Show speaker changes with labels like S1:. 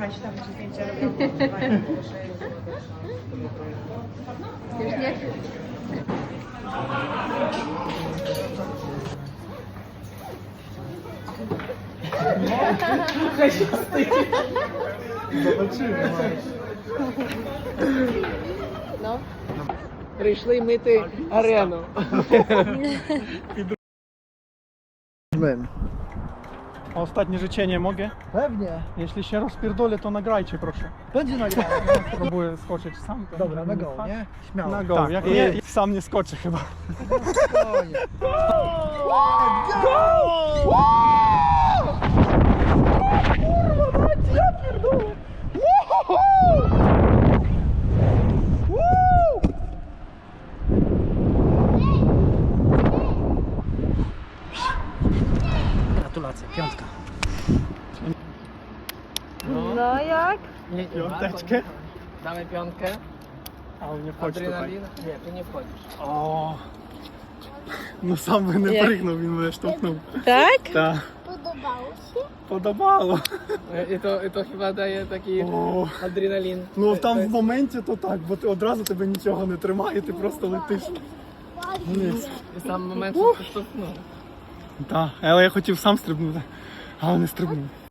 S1: Trzymać tam czy zdjęcia robią.
S2: Już nie?
S3: Zobaczymy.
S2: No.
S4: Прийшли мити арену.
S3: A ostatnie życzenie mogę?
S5: Pewnie.
S3: Jeśli się rozpierdolę, to nagrajcie proszę.
S5: Będzie nagrane.
S3: Próbuję skoczyć sam. to
S5: Dobra, na
S3: nie
S5: go,
S3: fakt.
S5: nie? Śmiało.
S3: Na go,
S5: Tak.
S3: jak nie, sam nie skoczę chyba.
S5: Spokojnie. Gratulacje, piątka.
S2: No jak?
S3: Piąteczkę.
S4: Damy piątkę.
S3: Ale nie wchodź tutaj.
S4: Adrenalin? Nie, tu nie wchodzisz.
S3: O, no sam by nie
S2: Jak?
S3: prygną, bym szturchnął.
S2: Tak?
S3: Tak.
S6: Podobało się?
S3: Podobało.
S4: I to chyba daje taki
S3: O,
S4: adrenalin.
S3: no tam w momencie to tak, bo ty od razu тебе нічого не тримає, ти просто летиш. Вниз.
S4: I sam moment, że to no.
S3: Так, але я хотів сам стрибнути, але не стрибнув.